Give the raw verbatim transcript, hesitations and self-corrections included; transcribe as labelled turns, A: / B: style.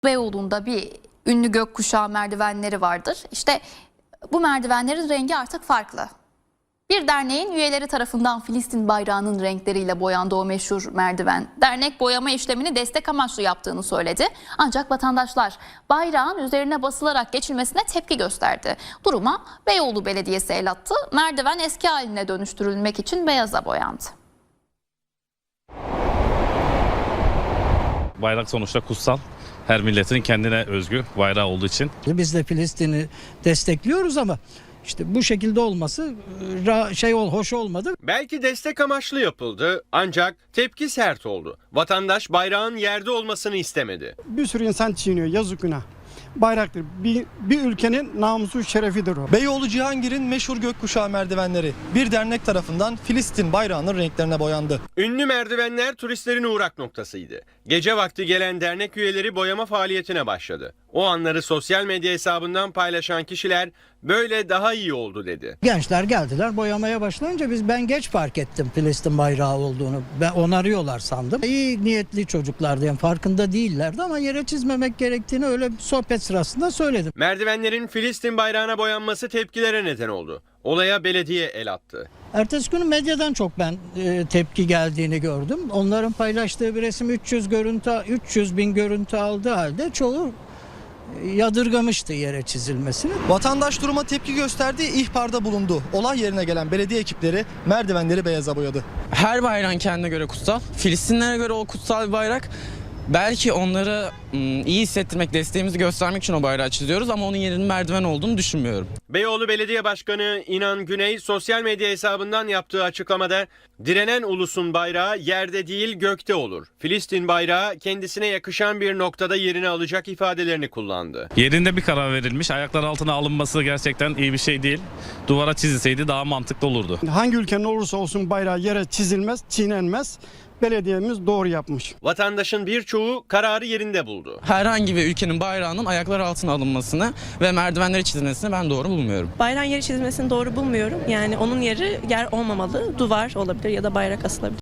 A: Beyoğlu'nda bir ünlü gökkuşağı merdivenleri vardır. İşte bu merdivenlerin rengi artık farklı. Bir derneğin üyeleri tarafından Filistin bayrağının renkleriyle boyandı o meşhur merdiven. Dernek boyama işlemini destek amaçlı yaptığını söyledi. Ancak vatandaşlar bayrağın üzerine basılarak geçilmesine tepki gösterdi. Duruma Beyoğlu Belediyesi el attı. Merdiven eski haline dönüştürülmek için beyaza boyandı.
B: Bayrak sonuçta kutsal. Her milletin kendine özgü bayrağı olduğu için.
C: Biz de Filistin'i destekliyoruz ama işte bu şekilde olması şey ol hoş olmadı.
D: Belki destek amaçlı yapıldı ancak tepki sert oldu. Vatandaş bayrağın yerde olmasını istemedi.
E: Bir sürü insan çiğniyor, yazık günah. Bayraktır. Bir, bir ülkenin namusu şerefidir o.
F: Beyoğlu Cihangir'in meşhur gökkuşağı merdivenleri bir dernek tarafından Filistin bayrağının renklerine boyandı.
D: Ünlü merdivenler turistlerin uğrak noktasıydı. Gece vakti gelen dernek üyeleri boyama faaliyetine başladı. O anları sosyal medya hesabından paylaşan kişiler böyle daha iyi oldu dedi.
C: Gençler geldiler boyamaya başlayınca biz ben geç fark ettim Filistin bayrağı olduğunu. Ben onarıyorlar sandım. İyi niyetli çocuklardı, yani farkında değillerdi ama yere çizmemek gerektiğini öyle bir sohbet sırasında söyledim.
D: Merdivenlerin Filistin bayrağına boyanması tepkilere neden oldu. Olaya belediye el attı.
C: Ertesi günü medyadan çok ben e, tepki geldiğini gördüm. Onların paylaştığı bir resim üç yüz görüntü üç yüz bin görüntü aldığı halde çoğu yadırgamıştı yere çizilmesini.
F: Vatandaş duruma tepki gösterdi, ihbarda bulundu. Olay yerine gelen belediye ekipleri merdivenleri beyaza boyadı.
G: Her bayrağın kendine göre kutsal. Filistinlere göre o kutsal bir bayrak. Belki onları iyi hissettirmek, desteğimizi göstermek için o bayrağı çiziyoruz ama onun yerinin merdiven olduğunu düşünmüyorum.
D: Beyoğlu Belediye Başkanı İnan Güney sosyal medya hesabından yaptığı açıklamada direnen ulusun bayrağı yerde değil gökte olur. Filistin bayrağı kendisine yakışan bir noktada yerini alacak ifadelerini kullandı.
B: Yerinde bir karar verilmiş. Ayaklar altına alınması gerçekten iyi bir şey değil. Duvara çizilseydi daha mantıklı olurdu.
E: Hangi ülkenin olursa olsun bayrağı yere çizilmez, çiğnenmez. Belediyemiz doğru yapmış.
D: Vatandaşın birçoğu kararı yerinde buldu.
G: Herhangi bir ülkenin bayrağının ayaklar altına alınmasını ve merdivenlere çizilmesini ben doğru bulmuyorum.
H: Bayrağın yeri çizilmesini doğru bulmuyorum. Yani onun yeri yer olmamalı. Duvar olabilir ya da bayrak asılabilir.